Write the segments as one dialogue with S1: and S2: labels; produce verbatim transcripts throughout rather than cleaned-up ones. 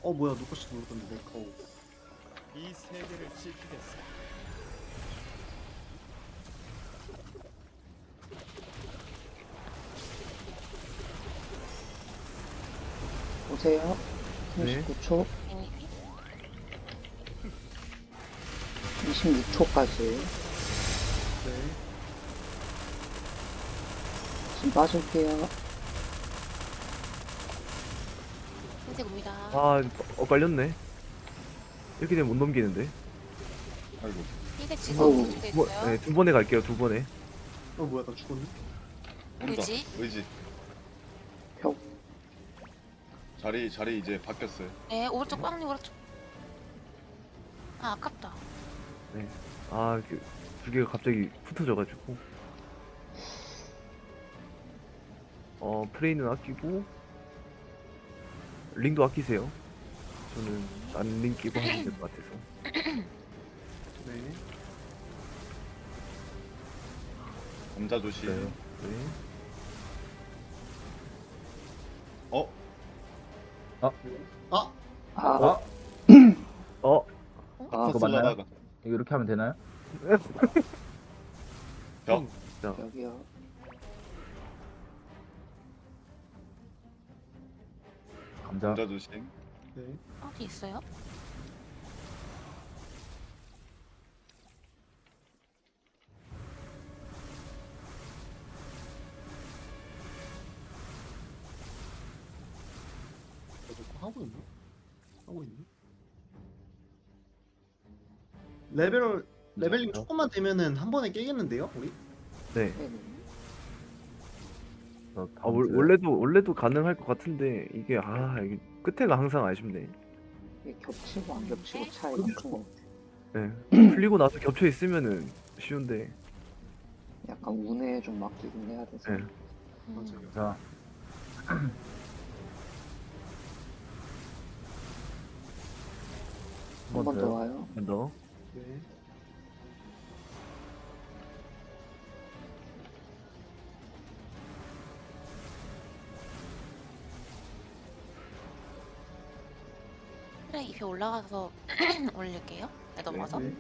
S1: 어 뭐야 누구씩 누르던데 내 거.
S2: 이 세계를 지키겠어.
S3: 보세요.
S4: 네.
S3: 삼십구 초,
S5: 네.
S3: 이십육 초까지.
S1: 네.
S3: 지금 빠질게요.
S5: 흰색 옵니다.
S4: 아, 어, 깔렸네. 이렇게 되면 못 넘기는데.
S6: 아이고.
S5: 흰색
S3: 어우,
S5: 지금
S4: 뭐,
S5: 있어요.
S4: 네, 두 번에 갈게요, 두 번에.
S1: 어 뭐야 나 죽었네.
S6: 온다.
S5: 의지?
S6: 의지.
S3: 벽.
S6: 자리 자리 이제 바뀌었어요.
S5: 네, 오른쪽 꽝님 오른쪽. 아, 아깝다.
S4: 아, 그, 두 개가 갑자기 흩어져가지고. 어, 프레이는 아끼고, 링도 아끼세요. 저는 안 링 끼고 하면 될 것 같아서.
S1: 네.
S6: 감자 조심.
S4: 네. 네.
S6: 어?
S1: 아
S3: 아,
S7: 아,
S4: 어,
S3: 아,
S7: 그거 맞나요?
S6: 싹쓸라다가
S7: 이거 이렇게 하면 되나요?
S6: 벽.
S3: 벽이요.
S7: 감자.
S6: 감자 조심.
S1: 네.
S5: 어디 있어요?
S1: 나 저거 하고 있나? 하고 있네. 레벨 레벨링 조금만 되면은 한 번에 깨겠는데요, 우리?
S4: 네.
S3: 네.
S7: 저
S4: 아, 월, 원래도, 원래도 가능할 것 같은데, 이게, 아, 이게 끝에가 항상 아쉽네.
S3: 이게 겹치고 안 겹치고 차이가 큰 것 같아요.
S4: 네. 풀리고 나서 겹쳐 있으면은 쉬운데,
S3: 약간 운에 좀 맡기긴 해야 돼서.
S4: 네.
S5: 음.
S1: 맞아요.
S7: 자,
S3: 한 번 더 와요.
S4: 한 번 더.
S1: 네.
S5: 그래, 잎이 올라가서 올릴게요. 네, 넘어가서.
S1: 네.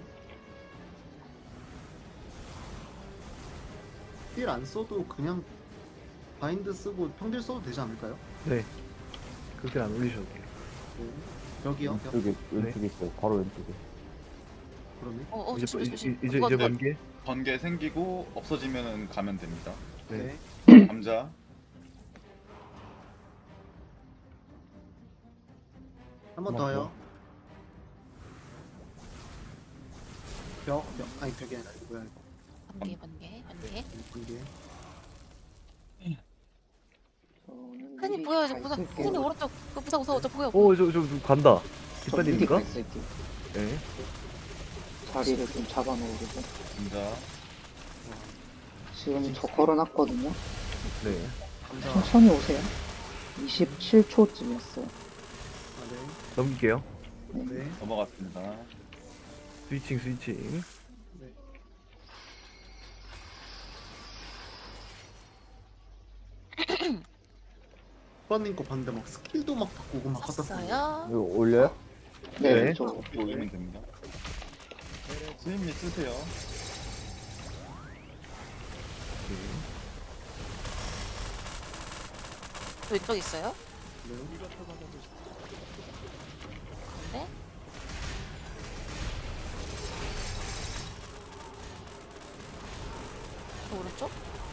S1: 힐 안 써도 그냥 바인드 쓰고 평딜 써도 되지 않을까요?
S4: 네. 그렇게 안 올리셔도 돼요.
S1: 네. 벽이요. 벽.
S7: 왼쪽에 왼쪽에 있어요. 바로 왼쪽에.
S1: 그러네.
S5: 어, 어,
S4: 이제,
S5: 조심,
S4: 이제,
S5: 조심.
S4: 이제, 이제
S5: 그거
S4: 번개?
S6: 번개 생기고 없어지면은 가면 됩니다.
S4: 네.
S1: 네.
S6: 감자.
S1: 한 번
S7: 한번
S1: 더요. 벽, 벽, 아니 벽이 아니라 이거 뭐야
S5: 번개, 번개, 번개.
S1: 이거 번개.
S3: 저는
S5: 흔히
S3: 미리
S5: 보여요,
S3: 가
S5: 이제 부상.
S3: 있을게요.
S5: 흔히 오른쪽. 그 부상 무서워, 저 보여.
S4: 오, 저, 저, 저 간다.
S3: 저 미리
S4: 뒷반입니까?
S3: 가 있을게요.
S4: 네.
S3: 자리를 좀 잡아놓으려고.
S6: 감자.
S3: 지금 저 걸어놨거든요.
S4: 네.
S1: 감자.
S3: 천천히 오세요. 이십칠 초쯤이었어요.
S1: 아, 네.
S4: 넘길게요.
S1: 네.
S6: 넘어갔습니다.
S4: 스위칭, 스위칭.
S1: 네. 오빠님 거 봤는데 막 스킬도 막 바꾸고 막 하다 보니
S5: 썼어요.
S7: 이거 올려요?
S3: 네,
S4: 네.
S3: 저
S6: 이렇게 올리면 됩니다. 스님이 쓰세요.
S5: 왼쪽 있어요?
S1: 네.
S5: 네. 저 오른쪽?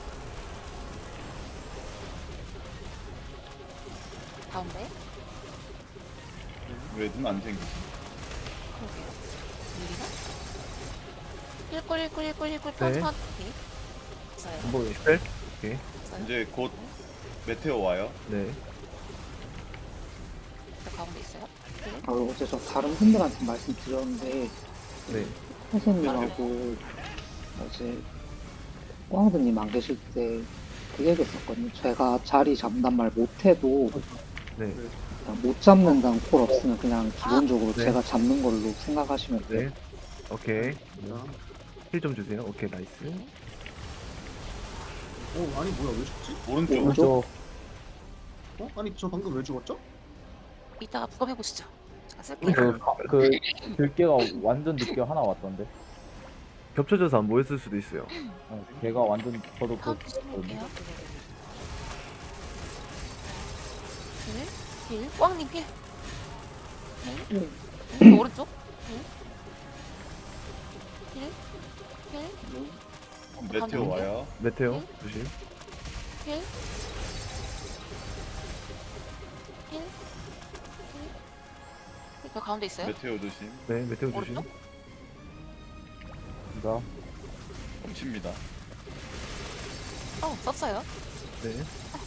S5: 가운데?
S6: 왜 눈 안 생기지?
S5: 그러게요. 밀리나? 일골 일골 일골 일골
S4: 네.
S5: 터지만 오케이. 있어요.
S7: 안 보여.
S4: 스펠? 오케이.
S5: 있어요.
S6: 이제 곧 메테오 와요.
S4: 네.
S5: 저 가운데 있어요. 네.
S3: 아, 어제 저 다른 분들한테 말씀드렸는데
S4: 네.
S3: 선생님하고 어제 꽝드님 안 계실 때 그 얘기 했었거든요. 제가 자리 잡는단 말 못해도
S4: 네.
S3: 그냥 못 잡는다는 콜 없으면 그냥 기본적으로
S4: 네.
S3: 제가 잡는 걸로 생각하시면 돼요.
S4: 네. 오케이.
S1: 감자.
S4: 힐 좀 주세요. 오케이, 나이스.
S5: 네.
S1: 어 아니 뭐야 왜 죽지?
S6: 오른쪽.
S3: 오른쪽.
S1: 어? 아니 저 방금 왜 죽었죠?
S5: 이따가 부검해 보시죠. 제가 쓸게요.
S7: 그, 가- 그 들깨가 완전 늦게 하나 왔던데.
S4: 겹쳐져서 안 보였을 수도 있어요.
S7: 어, 걔가 완전 저도 그거
S5: 카운트 심을게요.
S7: 봤거든요.
S5: 힐, 힐, 꽝님 힐. 힐,
S3: 음.
S5: 힐, 오른쪽. 힐, 힐, 힐,
S6: 메테오 와요.
S4: 메테오 조심.
S5: 힐, 힐, 힐. 그 가운데 있어요?
S6: 메테오 조심.
S4: 네 메테오 조심.
S5: 오른쪽?
S7: 자,
S6: 훔칩니다.
S5: 어, 썼어요.
S4: 네.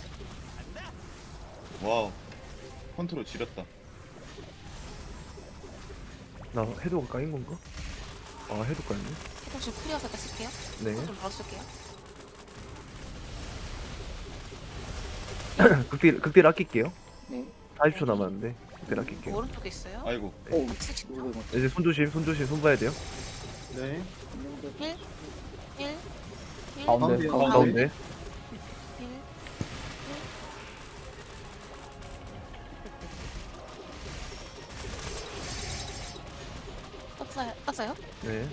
S6: 와우. 컨트롤 지렸다.
S4: 나 해도가 까인 건가? 아 해도 까였네.
S5: 혹시 풀이어서 일단 쓸게요.
S4: 네.
S5: 좀 바로 쓸게요.
S4: 극딜 극딜 아낄게요.
S3: 네.
S4: 사십 초 남았는데 극딜 아낄게요.
S5: 오른쪽에 있어요.
S6: 아이고.
S3: 오,
S5: 같이 진짜.
S3: 누구
S4: 이제 손 조심 손 조심 손 봐야 돼요.
S1: 네.
S5: 힐, 힐, 힐,
S7: 가운데.
S1: 가운데요.
S4: 가운데.
S5: 힐, 힐. 떴어요. 떴어요.
S4: 네.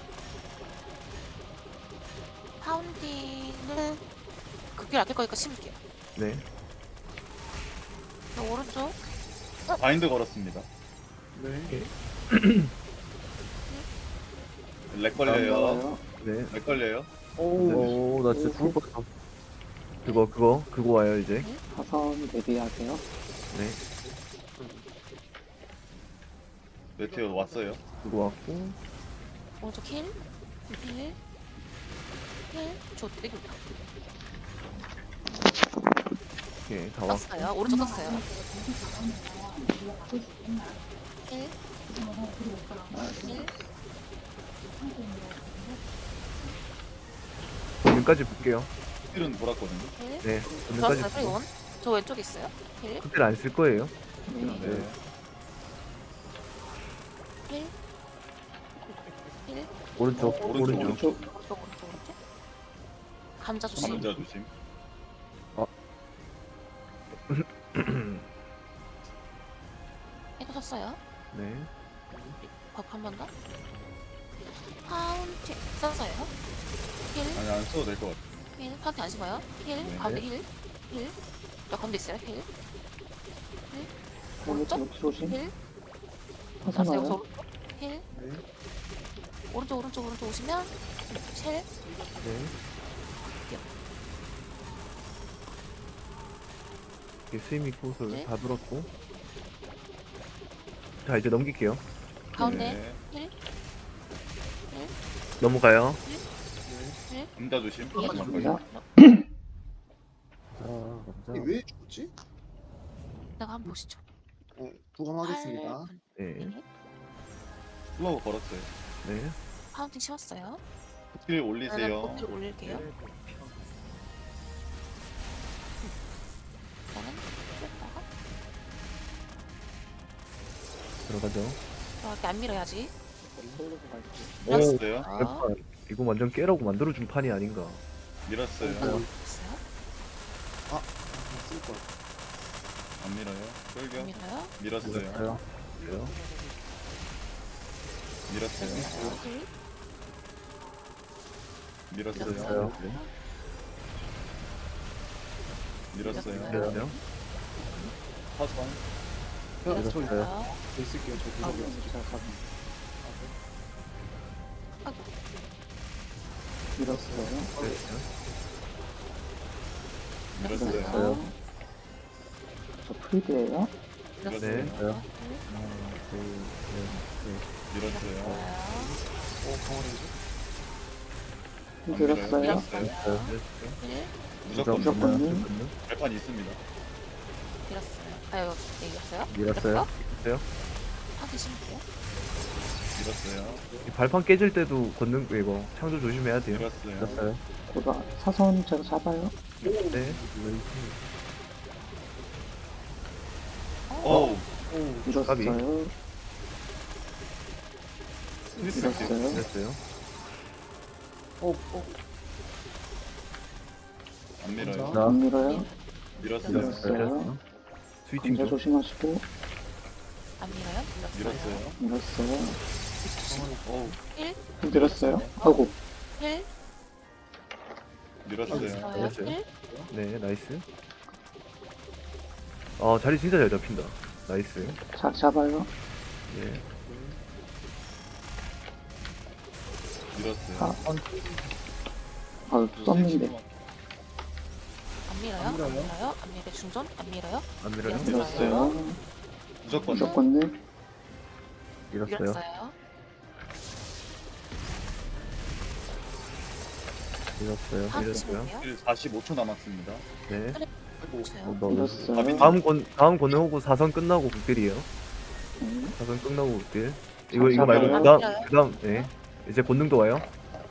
S5: 파운딩은 극딜 아낄 거니까 심을게요.
S4: 네.
S5: 저 오른쪽.
S6: 바인드 걸었습니다.
S1: 네.
S6: 렉 걸려요.
S3: 나와요.
S4: 네.
S6: 렉 걸려요.
S4: 오, 나 진짜 죽을 뻔했어. 그거 그거 그거 와요 이제.
S3: 사선 대비하세요.
S4: 네.
S6: 메테오 왔어요.
S4: 그거 왔고.
S5: 오른쪽 힐, 힐, 힐. 저 땡깁니다.
S4: 오케이 다 왔고.
S5: 떴어요. 오른쪽 떴어요. 힐, 힐.
S4: 본능까지 볼게요.
S6: 힐은 돌았거든요.
S5: 힐.
S4: 네.
S5: 좋았어요.
S4: 본능까지.
S5: 프리온. 저 왼쪽에 있어요. 힐,
S4: 극딜 안 쓸 거예요.
S3: 네.
S6: 네.
S5: 힐, 힐.
S4: 오른쪽
S6: 오른쪽,
S4: 오른쪽.
S3: 오른쪽.
S5: 오른쪽, 오른쪽, 오른쪽. 감자 조심.
S6: 감자 조심.
S5: 이거 썼어요.
S4: 네.
S5: 법 한 번 더. 파운틴 썼어요. 힐,
S6: 아니 안 써도 될 것 같아.
S5: 힐. 파운틴 안 심어요. 힐,
S6: 네.
S5: 가운데 힐, 힐. 저 가운데 있어요. 힐,
S3: 오른쪽 조심.
S5: 힐.
S3: 사선
S5: 갔어요. 여기서
S3: 와요.
S5: 오른쪽. 힐.
S1: 네.
S5: 오른쪽, 오른쪽, 오른쪽 오시면 쉘.
S4: 네. 이렇게 스위밍 코스를
S5: 네.
S4: 다 들었고. 자 이제 넘길게요.
S5: 가운데
S6: 네.
S5: 힐,
S4: 넘어가요.
S5: 힐.
S6: 감자 조심.
S5: 예.
S3: 감자.
S7: 자,
S1: 이게 왜 죽지?
S5: 내가 한번 보시죠.
S1: 네. 부검하겠습니다.
S5: 팔 분.
S4: 네.
S5: 네.
S6: 플로우 걸었어요.
S4: 네.
S5: 파운틴 심었어요.
S6: 힐 올리세요.
S5: 코트를 올릴게요. 일단은 뺐다가
S4: 들어가죠.
S5: 이렇게 안 밀어야지.
S6: 밀었어요.
S5: 아,
S4: 약간 이거 완전 깨라고 만들어준 판이 아닌가.
S6: 밀었어요.
S5: 됐어요.
S1: 쓸 거.
S6: 안 밀어요. 끌겨.
S5: 안 밀어요.
S6: 밀었어요.
S7: 그래요.
S4: 그래요?
S6: 밀었어요.
S5: 힐.
S6: 밀었어요.
S7: 밀었어요.
S6: 밀었어요.
S4: 그래요?
S6: 사선.
S1: 저, 저
S7: 밀었어요.
S1: 있을게요. 저
S3: 아,
S1: 구석에.
S3: 진짜 사선.
S5: 아이고.
S3: 밀었어요.
S6: 밀었어요.
S3: 밀었어요. 저 프리드예요.
S5: 밀었어요.
S4: 네.
S5: 힐.
S7: 하나, 둘, 셋,
S6: 밀었어요.
S1: 어, 강원이지?
S6: 안
S3: 밀었어요.
S6: 밀어요.
S5: 힐.
S6: 무조건
S3: 무조건.
S7: 무조건.
S6: 발판 있습니다.
S5: 밀었어요. 아유, 네, 밀었어요.
S7: 밀었어요.
S5: 파운틴 심을게요.
S6: 밀었어요.
S4: 이 발판 깨질 때도 걷는 거 이거 창조 조심해야 돼요.
S6: 밀었어요.
S7: 밀었어요.
S3: 고다 사선 제가 잡아요.
S4: 네.
S6: 어우.
S4: 까비.
S3: 밀었어요.
S6: 스미스
S3: 밀었어요.
S4: 됐어요.
S6: 안 밀어요.
S7: 자,
S3: 안 밀어요.
S6: 밀었어요.
S3: 밀었어요.
S4: 스위칭
S3: 감자
S4: 좀.
S3: 조심하시고.
S5: 안 밀어요? 밀었어요.
S6: 밀었어요.
S3: 밀었어요.
S6: 어우,
S5: 일,
S3: 밀었어요. 아이고,
S5: 일,
S6: 밀었어요.
S5: 밀었어요.
S4: 밀었어요.
S5: 일,
S4: 네, 나이스. 아, 자리 진짜 잘 잡힌다. 나이스.
S3: 자, 잡아요.
S4: 네.
S6: 밀었어요.
S3: 아, 아, 썼는데.
S5: 안 밀어요? 안 밀어요? 안 밀어요? 중전? 안 밀어요?
S4: 안 밀어요?
S6: 밀었어요. 무조건.
S3: 무조건 네.
S4: 밀었어요.
S5: 밀었어요.
S4: 밀었어요.
S5: 아,
S4: 밀었어요.
S5: 밀었어요.
S6: 사십오 초 남았습니다.
S4: 네.
S5: 밀었어요.
S3: 밀었어요.
S4: 다음 권 다음 권능 오고 사선 끝나고 극딜이에요.
S3: 네.
S4: 사선 끝나고 극딜. 이거 이거 말고
S3: 아,
S4: 그다음
S5: 밀어요.
S4: 그다음 네. 이제 권능도 와요.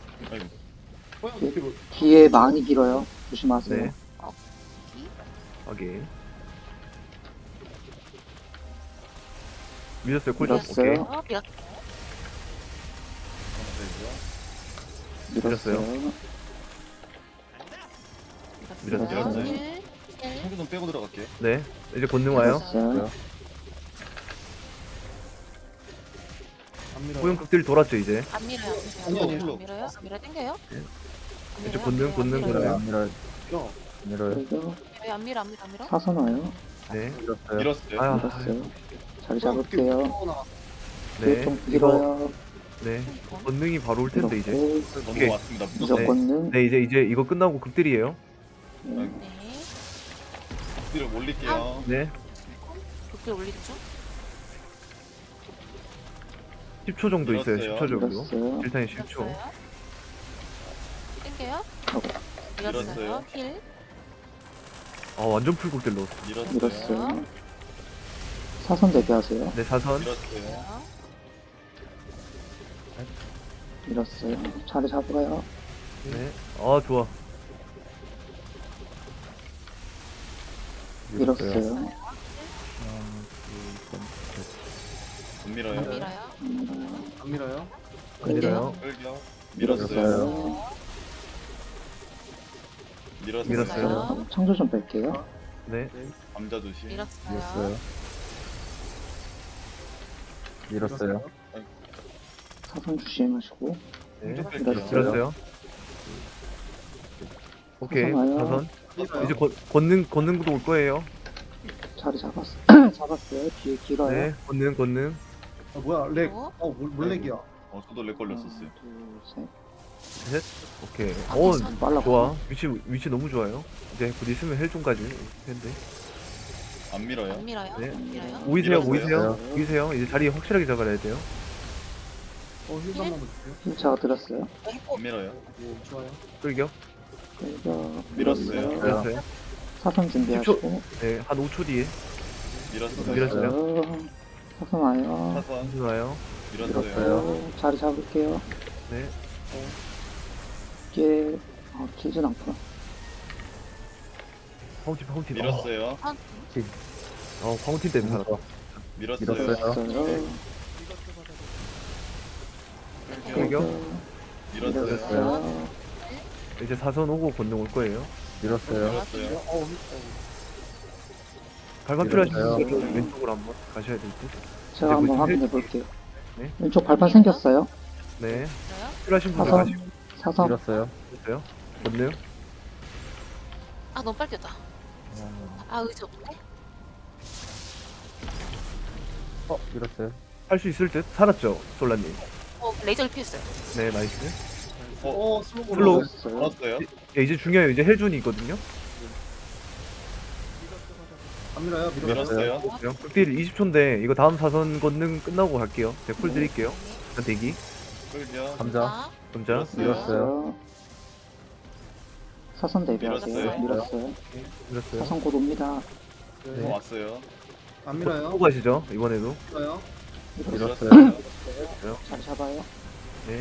S6: 아이고,
S3: 뒤에 많이 길어요. 조심하세요.
S4: 네.
S5: 이,
S4: 확인. 밀었어요. 콜.
S3: 밀었어요.
S4: 오케이.
S5: 어, 밀었.
S3: 밀었어요.
S5: 밀었어요.
S6: 밀었어요.
S5: 일, 일,
S6: 청소좀 빼고 들어갈게요.
S4: 네. 이제 권능 와요.
S3: 밀었어요.
S1: 안 밀어요.
S4: 호영 극딜 돌았죠 이제.
S5: 안 밀어요. 안
S6: 아니요,
S5: 밀어요.
S6: 아니요.
S5: 안 밀어요? 안 밀어요? 땡겨요?
S4: 네.
S5: 안
S4: 이제
S5: 밀어요?
S4: 권능,
S5: 안
S4: 권능,
S5: 밀어요?
S4: 권능.
S7: 안 밀어요.
S1: 야,
S7: 밀어요.
S3: 그리고
S5: 왜 안 밀어? 안 밀어? 안 밀어?
S3: 사선 와요.
S4: 네.
S7: 밀었어요.
S6: 밀었어요.
S4: 아,
S3: 밀었어요. 자리 잡을게요. 뒤에
S4: 네.
S3: 좀
S4: 이거
S3: 길어요.
S4: 네. 권능이 바로 올 텐데 이제.
S3: 밀었고,
S4: 오케이.
S6: 넘어왔습니다. 무조건.
S3: 무조건은
S4: 네, 이제 이제 이거 끝나고 극딜이에요.
S3: 네.
S5: 네.
S6: 뒤를 올릴게요.
S4: 네.
S5: 그렇게 올리는 중?
S4: 십 초 정도 있어요.
S6: 밀었어요.
S4: 십 초 정도.
S3: 밀었어요.
S4: 일단 십 초.
S5: 밀었어요. 땡겨요?
S6: 밀었어요.
S5: 밀었어요. 힐.
S4: 아, 완전 풀 극딜 넣었어.
S6: 밀었어요.
S3: 밀었어요. 사선 대비하세요.
S4: 네, 사선.
S6: 밀었어요.
S3: 밀었어요. 자리 잡아요.
S4: 네. 아, 좋아.
S3: 밀었어요.
S6: 못
S5: 안
S6: 밀어요.
S5: 밀어요.
S3: 음,
S1: 안 밀어요.
S4: 밀어요.
S6: 끌겨. 밀었어요.
S3: 밀었어요.
S6: 밀었어요.
S4: 밀었어요.
S3: 창조 좀 뺄게요.
S4: 네.
S6: 감자 조심.
S5: 밀었어요.
S7: 밀었어요.
S3: 사선 조심하시고.
S4: 네.
S6: 좀 뺄게요.
S3: 밀었어요.
S4: 밀었어요. 오케이.
S3: 사선 와요.
S4: 사선.
S1: 밀어요.
S4: 이제 권, 권능 권능도 올 거예요.
S3: 자리 잡았어. 잡았어요. 뒤에 길어요.
S4: 네. 권능 권능.
S1: 아, 뭐야, 렉.
S5: 어?
S1: 어, 뭘, 뭘 렉이야.
S6: 어, 저도 렉 걸렸었어요.
S3: 하나, 둘, 셋.
S4: 오케이.
S5: 아,
S4: 어,
S5: 괜찮아.
S3: 빨라.
S4: 좋아. 위치 위치 너무 좋아요. 이제 곧 있으면 헬종까지 텐데.
S6: 안 밀어요.
S5: 안 밀어요.
S4: 네.
S5: 안 밀어요.
S4: 모이세요.
S6: 밀었어요.
S4: 모이세요. 모이세요. 이제 자리 확실하게 잡아야 돼요.
S1: 어, 힐 한번 볼게요.
S3: 흰차가 들었어요.
S6: 안 밀어요.
S1: 오, 좋아요.
S4: 끌겨.
S3: 그리고
S6: 밀었어요.
S4: 밀었어요.
S3: 사선 준비하시고.
S4: 네. 한 오 초 뒤에.
S6: 밀었어요.
S4: 밀었어요.
S3: 밀었어요. 사선 와요.
S6: 사선.
S4: 좋아요.
S6: 밀었어요.
S3: 밀었어요. 자리 잡을게요.
S4: 네.
S3: 뒤에 어, 길진 않구나.
S4: 파운틴 파운틴.
S6: 밀었어요.
S5: 한,
S4: 어, 파운틴 때문에 살았다.
S6: 밀었어요.
S7: 밀었어요.
S3: 밀었어요.
S4: 끌겨.
S6: 밀었어요.
S3: 밀었어요.
S4: 이제 사선 오고 권능 올 거예요.
S7: 밀었어요.
S6: 밀었어요.
S1: 어,
S4: 발판 필요하신
S7: 밀었어요.
S4: 분들은 왼쪽으로 한번 가셔야 될 듯.
S3: 제가 한번
S4: 무슨
S3: 확인해 볼게요.
S4: 네.
S3: 왼쪽 발판 생겼어요.
S4: 네.
S5: 밀어요.
S4: 필요하신 분들
S3: 사선.
S4: 가시고
S3: 사선.
S7: 밀었어요.
S4: 있어요. 권능.
S5: 아, 너무 빨리 뛰었다. 아, 의지 없네.
S7: 어, 밀었어요.
S4: 할 수 있을 듯. 살았죠, 솔라님.
S5: 어, 레이저를 피했어요.
S4: 네, 나이스.
S1: 어, 슬로우.
S4: 슬로우.
S3: 밀었어요.
S6: 밀었어요.
S4: 예, 이제 중요해요. 이제 헬준이 있거든요.
S1: 안 밀어요. 밀어요.
S6: 밀었어요.
S4: 그래요? 극딜 이십 초인데 이거 다음 사선 권능 끝나고 갈게요. 제가 콜 드릴게요. 일단 대기.
S6: 끌겨.
S7: 감자.
S5: 아,
S4: 감자.
S6: 밀었어요.
S7: 밀었어요.
S3: 사선 대비하세요.
S6: 밀었어요.
S3: 밀었어요.
S4: 밀었어요.
S3: 사선 곧 옵니다.
S1: 네.
S6: 어, 왔어요.
S1: 안 밀어요.
S4: 또 가시죠. 이번에도.
S1: 밀어요.
S3: 밀었어요.
S7: 밀었어요.
S3: 잘 잡아요.
S4: 네.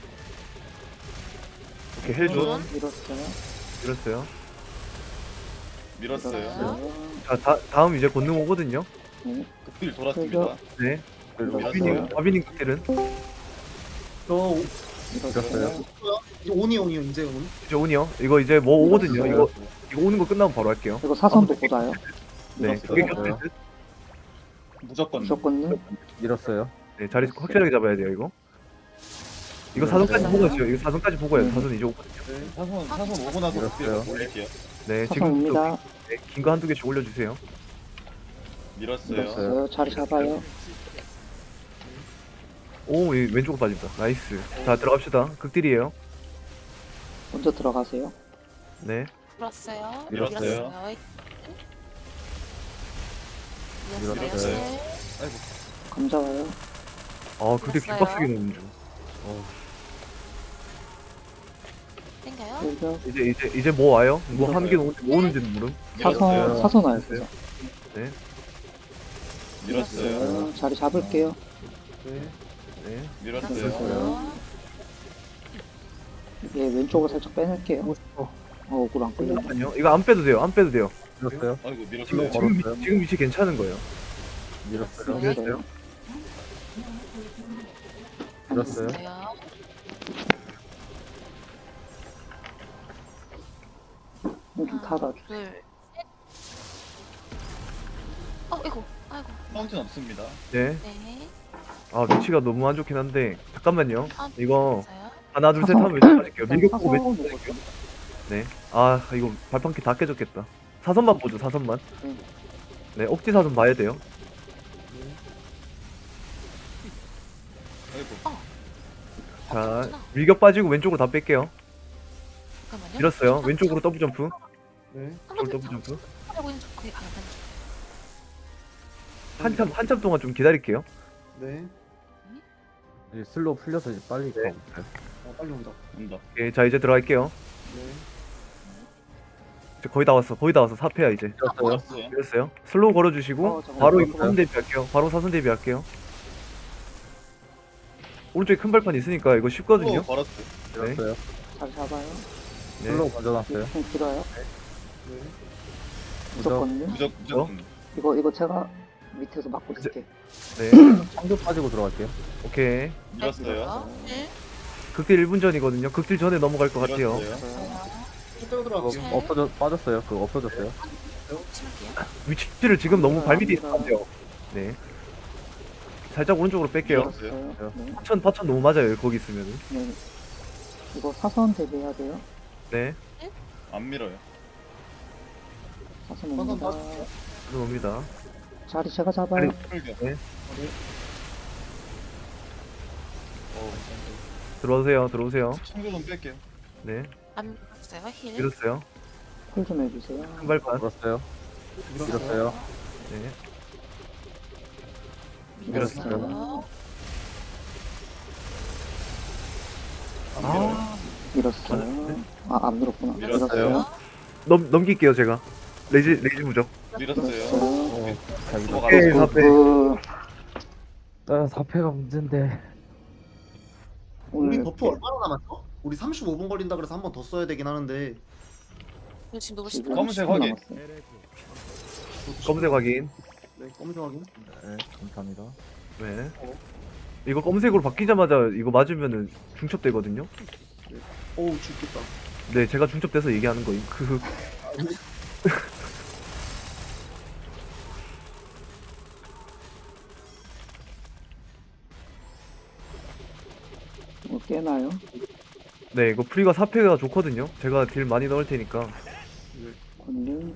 S4: 오케이, 헬준.
S5: 헬준.
S3: 밀었어요.
S4: 밀었어요.
S6: 밀었어요.
S3: 밀었어요.
S4: 자, 다, 다음 이제 권능 오거든요.
S3: 네.
S6: 극딜 돌았습니다.
S4: 네.
S6: 밀었어요.
S4: 바비님, 바비님 극딜은
S1: 저, 오-
S3: 밀었어요.
S1: 이제 온이 온이요, 이제 온.
S4: 이제 온이요. 이거 이제 뭐 오거든요. 이거 이거 오는 거 끝나면 바로 할게요.
S3: 이거 사선도 보다요.
S4: 네.
S6: 밀었어요.
S4: 그게 겹칠 듯.
S6: 무조건.
S3: 무조건요?
S7: 밀었어요.
S4: 네, 자리 확실하게 잡아야 돼요 이거. 이거 사선까지
S5: 네.
S4: 보고 있어요. 이거 사선까지 보고 해요.
S3: 네.
S4: 사선 이제 오고.
S6: 네, 사선 사선 오고 나서
S7: 밀었어요.
S6: 극딜 올릴게요.
S4: 네,
S3: 사선
S4: 지금
S3: 옵니다.
S4: 네, 긴 거 한두 개씩 올려주세요.
S6: 밀었어요.
S3: 밀었어요. 자리 잡아요.
S4: 오, 이 왼쪽으로 빠진다. 나이스. 자, 들어갑시다. 극딜이에요.
S3: 먼저 들어가세요.
S4: 네.
S5: 밀었어요.
S6: 밀었어요.
S5: 밀었어요. 밀었어요.
S7: 밀었어요.
S6: 아이고.
S3: 감자 와요.
S4: 아, 극딜
S5: 됐어요.
S4: 뒷박스기 넣는 중. 어,
S5: 땡겨요.
S3: 일격.
S4: 이제 이제 이제 뭐 와요? 뭐 한 개 오는지 뭐 오는지는 모름.
S3: 사선
S6: 밀었어요.
S3: 사선 와요. 사선.
S4: 네,
S6: 밀었어요.
S3: 어, 자리 잡을게요.
S1: 네.
S4: 네.
S6: 밀었어요.
S5: 밀었어요.
S3: 예, 왼쪽으로 살짝 빼낼게요. 어, 억울 안 끌려.
S4: 잠깐만요. 이거 안 빼도 돼요. 안 빼도 돼요.
S7: 밀었어요.
S6: 아이고
S4: 지금
S6: 밀었어요.
S4: 지금, 위,
S7: 걸었어요.
S4: 지금 위치 괜찮은 거예요.
S7: 밀었어요.
S3: 밀었어요.
S7: 밀었어요.
S5: 밀었어요.
S3: 여기
S5: 하나,
S3: 타다.
S5: 둘, 셋. 어, 이거. 아이고.
S6: 파운틴 없습니다.
S4: 네.
S5: 네.
S4: 아, 위치가 너무 안 좋긴 한데 잠깐만요.
S5: 아,
S4: 이거
S5: 밀었어요.
S4: 하나 둘 셋
S3: 사선.
S4: 하면 왼쪽 빠질게요.
S3: 사선
S4: 밀격 보고 왼쪽
S3: 오거든요.
S4: 빠질게요. 네. 아, 이거 발판기 다 깨졌겠다. 사선만 보죠. 사선만.
S3: 네.
S4: 네, 억지 사선 봐야 돼요.
S6: 아이고.
S4: 자,
S5: 없었구나.
S4: 밀격 빠지고 왼쪽으로 다 뺄게요.
S5: 잠깐만요.
S4: 밀었어요.
S5: 잠깐,
S4: 왼쪽으로 더블 점프.
S1: 네.
S5: 잠깐,
S4: 왼쪽으로 더블
S5: 잠깐.
S4: 점프.
S5: 하고 있는 쪽 그게 방금
S4: 한참 한참 동안 좀 기다릴게요.
S1: 네.
S7: 이제 슬로우 풀려서 이제 빨리
S4: 네.
S7: 가볼까요?
S1: 어, 빨리 온다.
S6: 온다.
S4: 예, 자 이제 들어갈게요.
S1: 네.
S4: 이제 거의 다 왔어. 거의 다 왔어. 사 패야 이제.
S7: 밀었어요.
S6: 밀었어요.
S4: 밀었어요. 슬로우 걸어주시고
S3: 어, 잠깐만.
S4: 바로 이거
S7: 밀었어요.
S4: 사선 대비할게요. 바로 사선 대비할게요. 오른쪽에 큰 발판 있으니까 이거 쉽거든요.
S6: 또 걸었어요.
S7: 밀었어요.
S3: 자리 잡아요.
S4: 네.
S7: 슬로우 먼저 놨어요.
S3: 좀 길어요.
S1: 네.
S3: 무조건요.
S6: 무적 무조건.
S3: 이거 이거 제가 밑에서 막고 있을게.
S4: 네.
S7: 창조 빠지고 들어갈게요.
S4: 오케이.
S6: 밀었어요.
S5: 네.
S4: 극딜 일 분 전이거든요. 극딜 전에 넘어갈 것 같아요.
S6: 밀었어요.
S1: 실제로
S7: 그거
S1: 들어갈게요.
S7: 엎어져 빠졌어요. 그거 엎어졌어요.
S5: 심을게요.
S4: 위치를 지금 너무 발밑에 있으면 안 돼요. 네. 살짝 오른쪽으로 뺄게요.
S6: 밀었어요.
S3: 밀었어요. 네.
S4: 파천 파천 너무 맞아요. 거기 있으면은.
S3: 네. 이거 사선 대비해야 돼요.
S4: 네.
S6: 안 밀어요.
S3: 사선
S1: 사선
S3: 옵니다.
S1: 빠질게요.
S4: 들어옵니다.
S3: 자리 제가 잡아요.
S6: 풀격. 어우,
S4: 들어오세요. 들어오세요.
S6: 참고 좀 뺄게요.
S4: 네.
S5: 안 밀었어요. 힐.
S4: 밀었어요.
S3: 콜 좀 해주세요.
S4: 큰 발판.
S7: 밀었어요.
S1: 밀었어요.
S7: 밀었어요.
S4: 네.
S5: 밀었어요.
S4: 아,
S3: 밀었어요. 아, 안 밀었구나.
S6: 밀었어요.
S4: 넘 넘길게요 제가. 레지 레지 무적.
S6: 밀었어요.
S3: 밀었어요.
S7: 어, 자기가.
S4: 오케이, 사
S3: 그,
S4: 패.
S3: 그,
S7: 아, 사 패가 문제인데.
S1: 우리
S3: 오늘
S1: 버프 얼마나 남았어? 우리 삼십오 분 걸린다 그래서 한 번 더 써야 되긴 하는데.
S5: 이거 지금 누구
S3: 지금
S5: 싶어요?
S6: 검은색
S3: 십 분
S6: 확인.
S3: 남았어요.
S4: 검색 확인.
S1: 네, 검정 확인.
S7: 네, 감사합니다.
S4: 네. 이거 검색으로 바뀌자마자 이거 맞으면은 중첩되거든요.
S1: 어우, 죽겠다.
S4: 네, 제가 중첩돼서 얘기하는 거임. 그
S3: 뭐 깨나요?
S4: 네, 이거 프리가 사 패가 좋거든요. 제가 딜 많이 넣을 테니까.
S3: 권능.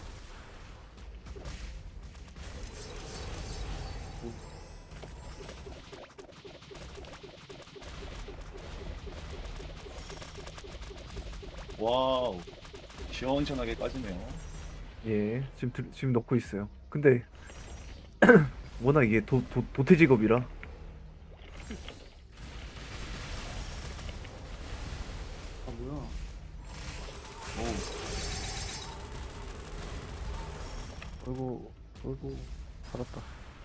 S6: 와우. 시원시원하게 까지네요.
S4: 예, 지금 들- 지금 넣고 있어요. 근데 워낙 이게 도, 도, 도태 직업이라.
S1: 아, 뭐야.
S6: 오.
S7: 어이구, 어이구, 살았다.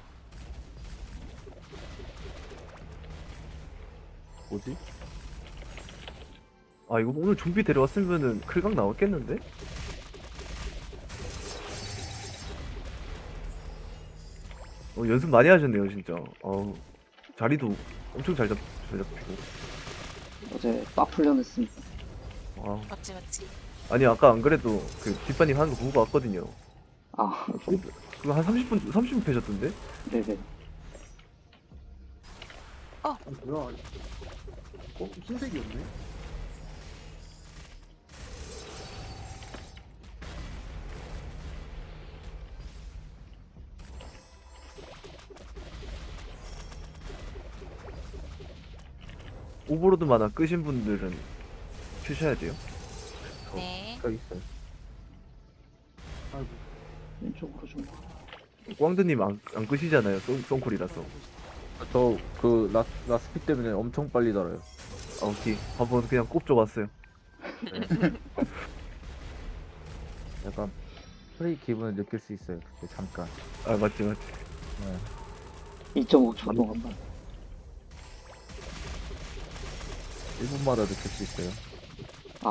S7: 뭐지?
S4: 아, 이거 오늘 좀비 데려왔으면은 클각 나왔겠는데? 어, 연습 많이 하셨네요, 진짜. 어우, 자리도 엄청 잘 잡, 잘 잡히고.
S3: 어제 빡 풀려냈습니다.
S4: 아,
S5: 맞지 맞지.
S4: 아니, 아까 안 그래도 그 뒷반님 하는 거 보고 왔거든요.
S3: 아,
S4: 그거 한 삼십 분 삼십 분 패셨던데?
S3: 네네.
S1: 아, 뭐야? 어, 흰색이었네.
S4: 오버로드 만화 끄신 분들은 켜셔야 돼요.
S5: 네.
S7: 여기 있어요.
S1: 아이고.
S3: 왼쪽으로 좀.
S4: 꽝드님 안, 안 끄시잖아요. 송, 송콜이라서.
S7: 저그 라, 라스피 때문에 엄청 빨리 달아요.
S4: 아, 오케이. 한번 그냥 꼽줘봤어요.
S7: 약간 프레이 기분을 느낄 수 있어요. 그때 잠깐.
S4: 아, 맞지, 맞지.
S7: 네.
S3: 이 점 오 초 동안만.
S7: 일 분마다 느낄 수 있어요.
S3: 아,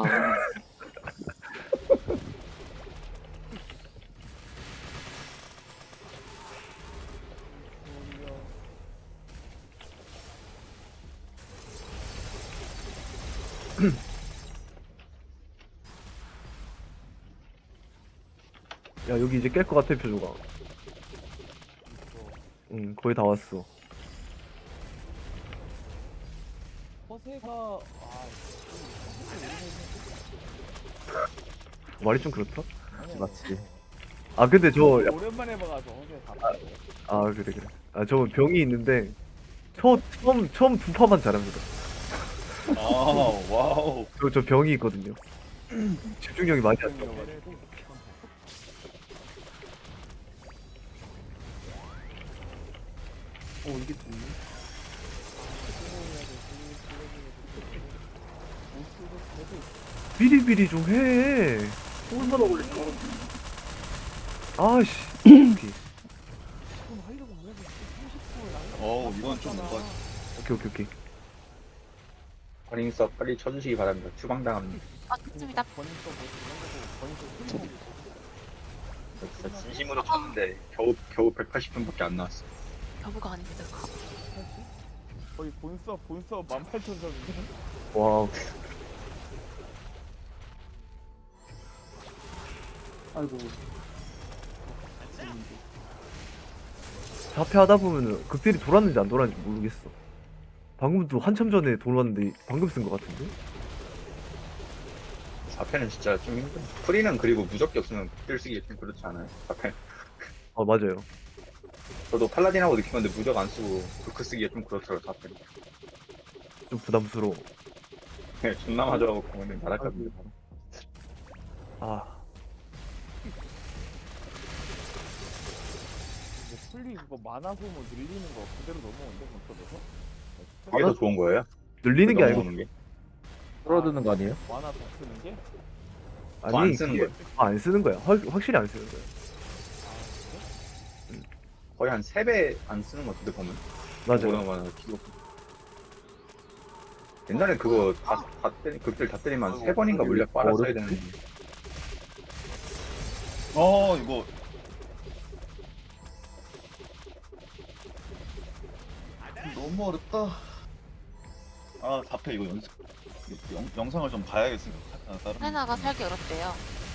S4: 야, 여기 이제 깰 것 같아, 표조가. 응, 거의 다 왔어.
S6: 허세가 아
S4: 말이 좀 그렇다?
S6: 아니,
S7: 맞지.
S4: 아, 근데 저, 야,
S6: 오랜만에 봐가지고 허세 다
S4: 아, 그래, 그래. 아, 저 병이 있는데, 처, 처음, 처음 두 파만 잘합니다.
S6: 아 와우
S4: 저, 저 병이 있거든요. 집중력이 많이 안 좋아.
S1: 어, 이게 좋네.
S4: 비리비리 좀 해. 얼마나 걸릴까? 아씨. 오케이,
S6: 어 이건 좀 뭔가
S4: 오케이, 오케이, 오케이.
S8: 버닝서 빨리 쳐주시기 바랍니다. 추방당합니다.
S5: 아, 좋습니다.
S8: 진짜 진심으로 쳤는데 겨우 겨우 백팔십 분밖에 안 나왔어.
S5: 여부가 아닙니다.
S6: 거의 본서 본서 만 팔천 점인데
S4: 와우.
S1: 아이고.
S4: 사패 하다 보면은 극딜이 돌았는지 안 돌았는지 모르겠어. 방금도 한참 전에 돌았는데 방금 쓴 것 같은데?
S8: 사 패는 진짜 좀 힘들어. 프리는 그리고 무적기 없으면 극딜 쓰기 좀 그렇지 않아요. 사 패.
S4: 아, 맞아요.
S8: 저도 팔라딘하고 느낀 건데 무적 안 쓰고 브크 쓰기가 좀 그렇더라고요. 사 패는.
S4: 좀 부담스러워.
S8: 네, 존나 맞아갖고 근데 날아갑니다.
S4: 아,
S6: 근데 풀리 그거 만화 소모 늘리는 거 그대로 넘어온대 본서에서
S8: 그게 더 좋은 거예요?
S4: 늘리는 게 아니고,
S8: 넘어오는 게?
S7: 줄어드는 거 아니에요?
S6: 만화 더 쓰는 게?
S8: 더안
S4: 아니,
S8: 쓰는
S4: 그게-
S8: 거예요.
S4: 아, 안 쓰는 거야. 확, 확실히 안 쓰는 거야.
S8: 거의 한 세 배 안 쓰는 것 같은데 보면.
S4: 맞아요.
S8: 보다만 기록. 옛날에 그거 다, 다 때리, 극딜 다 때리면 세 번인가 물약 빨아 써야 되는데.
S6: 어 이거 너무 어렵다 아 사 패 이거 연습 영, 영상을 좀 봐야겠습니다 아, 다른
S5: 하나가 살기 어렵대요.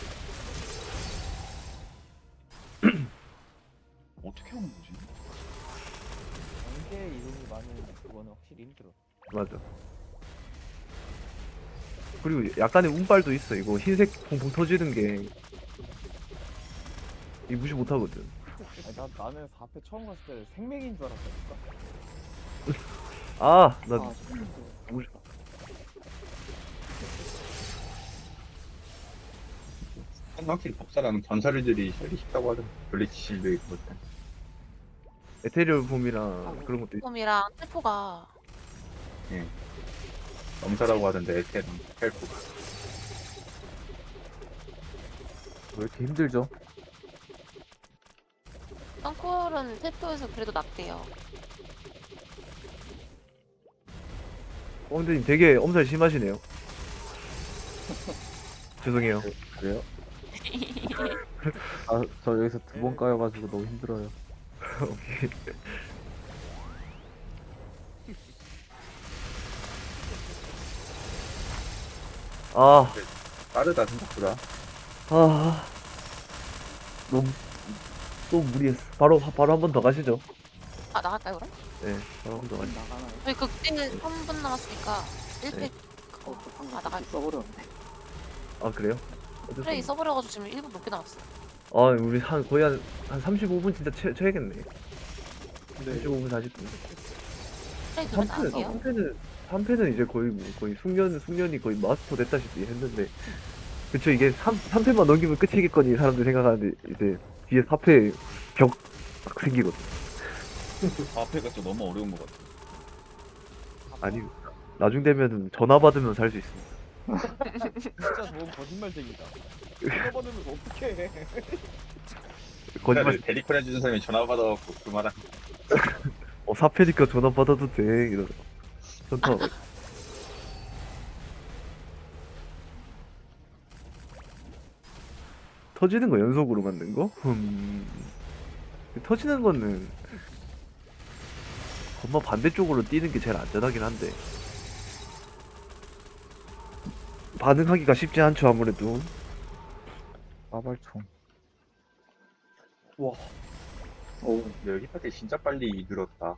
S6: 어떻게 하는 거지? 관계 이름이 많은 그거는 확실히 힘들어
S4: 맞아. 그리고 약간의 운빨도 있어. 이거 흰색 퐁퐁 터지는 게. 이 무시 못 하거든.
S6: 아니, 나, 나는 사 패 처음 갔을 때 생맥인 줄 알았다니까
S4: 아, 나
S3: 아,
S4: 무시.
S8: 확실히 법사랑 전사들이 혈이 쉽다고 하더라고. 블리치 실드 있고.
S4: 에테리얼 폼이랑 그런 것도 있...
S5: 폼이랑 텔포가
S8: 넘사라고 하던데 에테랑 헬프가.
S7: 왜 이렇게 힘들죠?
S5: 썬콜은 텔포에서 그래도 낫대요.
S4: 엉드님 되게 엄살 심하시네요. 죄송해요.
S7: 그래요? 아, 저 여기서 두 번 까여가지고 너무 힘들어요.
S4: 오케이. 아,
S8: 빠르다 생각보다.
S4: 아, 너무 또 무리했어. 바로 바로 한 번 더 가시죠.
S5: 아 나갈까요 그럼?
S4: 네, 바로 한 번 더 가시죠.
S3: 나가나요?
S5: 저희 극딜 삼 분 남았으니까 일 팩
S3: 어, 저 방금
S5: 아, 나갈-
S3: 써버렸네.
S4: 아 그래요? 어쩔 수
S5: 플레이
S4: 없네.
S5: 써버려가지고 지금 일 분 넘게 남았어.
S4: 아 우리 한 거의 한, 한 삼십오 분 진짜 채, 채야겠네.
S1: 네.
S4: 삼십오 분 사십 분.
S5: 플레이 들면
S4: 3패는
S5: 나갈게요.
S4: 3패는 삼 패는 이제 거의 뭐 거의 숙련 숙련이 거의 마스터 됐다시피 했는데 그쵸 이게 삼, 삼 패만 넘기면 끝이겠거니 사람들이 생각하는데 이제 뒤에 사 패 벽 생기거든.
S6: 사 패가 좀 너무 어려운 것 같아.
S4: 아니 나중 되면은 전화 받으면 살 수 있습니다.
S2: 진짜 좋은 거짓말쟁이다. 이거 받으면서 어떡해.
S4: 거짓말.
S8: 데리콘 해주는 사람이 전화 받아갖고 그 말한.
S4: 어 사 패니까 전화 받아도 돼 이러. 전화. 터지는 거 연속으로 만든 거? 음. 터지는 거는 건마 반대쪽으로 뛰는 게 제일 안전하긴 한데 반응하기가 쉽지 않죠 아무래도.
S7: 빠발총.
S1: 와.
S3: 오,
S8: 근데 여기까지 진짜 빨리 늘었다.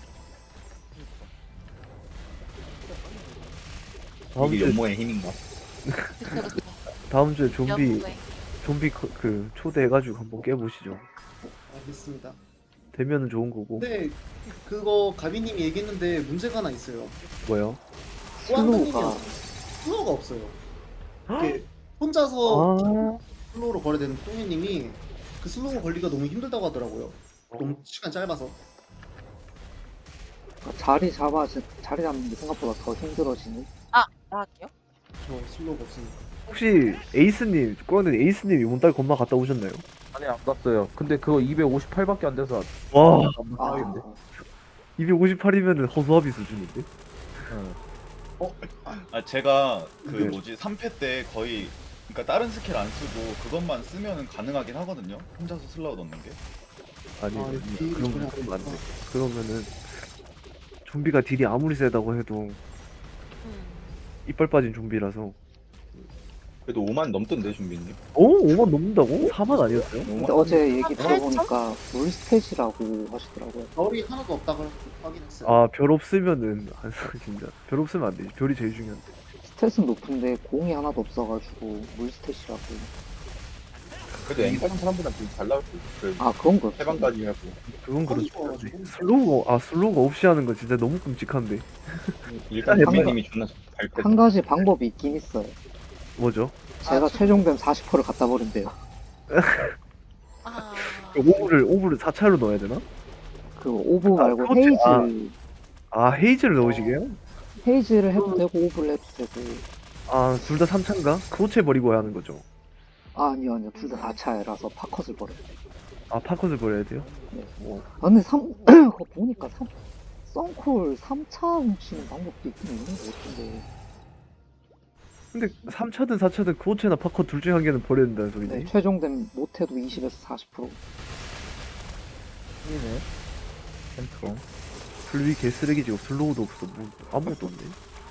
S4: 다음
S8: 이게
S4: 주에
S8: 연모의 힘인가?
S5: 그쵸 그쵸.
S4: 다음 주에 좀비
S5: 연구에.
S4: 좀비 그, 그 초대해가지고 한번 깨보시죠.
S1: 알겠습니다.
S4: 되면은 좋은 거고.
S1: 근데 그거 가비님이 얘기했는데 문제가 하나 있어요.
S4: 뭐요?
S3: 슬로우가
S1: 슬로우가 없어요. 이게 혼자서
S4: 아,
S1: 슬로우로 거래되는 똥이님이 그 슬로우 걸리기가 너무 힘들다고 하더라고요. 너무 시간 짧아서.
S3: 자리 잡아 자리 잡는 게 생각보다 더 힘들어지네.
S5: 나갈게요.
S1: 저 슬로우가 없으니까.
S4: 혹시 에이스님 꼬는 에이스님이 이번 건마 갔다 오셨나요?
S7: 아니 안 갔어요. 근데 그거 이백오십팔밖에 안 돼서
S4: 와
S7: 안
S3: 아,
S7: 갔는데.
S4: 이백오십팔이면은 허수아비 수준인데?
S6: 아 제가 그
S4: 네.
S6: 뭐지 삼 패 때 거의 그러니까 다른 스킬 안 쓰고 그것만 쓰면은 가능하긴 하거든요. 혼자서 슬라우 넣는 게.
S4: 아니,
S1: 아,
S4: 아니
S1: 딜이
S4: 그럼
S1: 전혀
S4: 그러면 안 돼.
S1: 없구나.
S4: 그러면은 좀비가 딜이 아무리 세다고 해도
S5: 음.
S4: 이빨 빠진 좀비라서.
S8: 그래도 오만 넘던데 준비님.
S4: 오? 오만 넘는다고? 사만 아니었어요?
S3: 근데 어제 얘기
S5: 한
S3: 들어보니까 물스탯이라고 하시더라고요.
S1: 별이 하나도 없다고 확인했어요.
S4: 아 별 없으면은 안 써, 진짜 별 없으면 안 되지. 별이 제일 중요한데.
S3: 스탯은 높은데 공이 하나도 없어가지고 물스탯이라고.
S8: 그래도 앵사는 사람보다 좀 잘 나올 수 있어. 그
S3: 아 그런 거.
S8: 해방까지 하고.
S4: 그건 그렇죠.
S1: 좋아가지고.
S4: 슬로우가 아 슬로우가 없이 하는 거 진짜 너무 끔찍한데.
S8: 일단
S3: 해방-
S8: 준비님이 존나 잘 뺐다.
S3: 한 가지 방법이 있긴 있어요.
S4: 뭐죠?
S3: 제가 최종뱀 사십 퍼센트를 갖다 버린대요.
S5: 아.
S4: 오브를 오브를 사 차로 넣어야 되나?
S3: 그 오브 말고
S4: 그렇지.
S3: 헤이즈
S4: 아. 아 헤이즈를 넣으시게요?
S3: 헤이즈를 해도 되고 오브를 해도 되고.
S4: 아 둘 다 삼 차인가? 크로체 버리고 하는 거죠.
S3: 아, 아니요 아니요 둘 다 사 차라서 파컷을 버려요.
S4: 아 파컷을 버려야 돼요?
S3: 아 근데 삼 그거 보니까 삼 썬콜 삼 차 훔치는 방법도 있긴 있는 것 같은데.
S4: 근데 삼 차든 사 차든 크로체나 파컷 둘 중에 한 개는 버려야 된다는 소리지.
S3: 네, 최종된 못해도 이십에서 사십 퍼센트.
S7: 이네. 펜트롬.
S4: 불비 개쓰레기지고 슬로우도 없어. 뭐 아무것도 없네.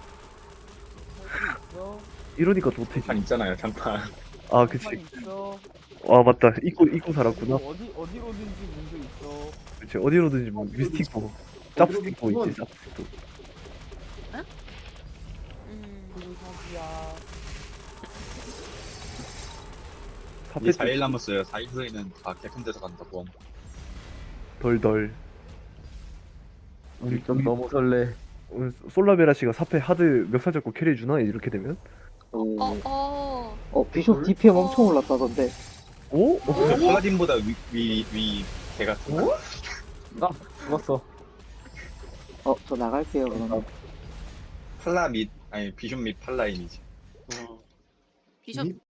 S2: 있어.
S4: 이러니까 도태지.
S8: 잠깐 있잖아요 잠깐.
S4: 아 그치.
S2: 판 있어.
S4: 아 맞다. 입고 입고 살았구나.
S2: 어디 어디로든지 문제 있어.
S4: 그치 어디로든지 뭐 미스틱보, 짭스틱보 있지 짭스틱보.
S5: 음.
S2: 불사기야.
S8: 이제 사 일 남았어요. 사 일 후에는 다 개편돼서 간다고.
S4: 덜덜.
S7: 우리 좀 너무 설레.
S4: 오늘 솔라베라 씨가 사패 하드 멱살 잡고 캐리해 주나 이렇게 되면?
S3: 오.
S5: 어 어.
S3: 어 비숍 디피엠 엄청 올랐다던데.
S4: 오?
S8: 근데 팔라딘보다 위위위 개가.
S7: 아 죽었어.
S3: 어 저 나갈게요 그러면.
S8: 팔라 및 아니 비숍 및 팔라인이지.
S1: 어.
S5: 비숍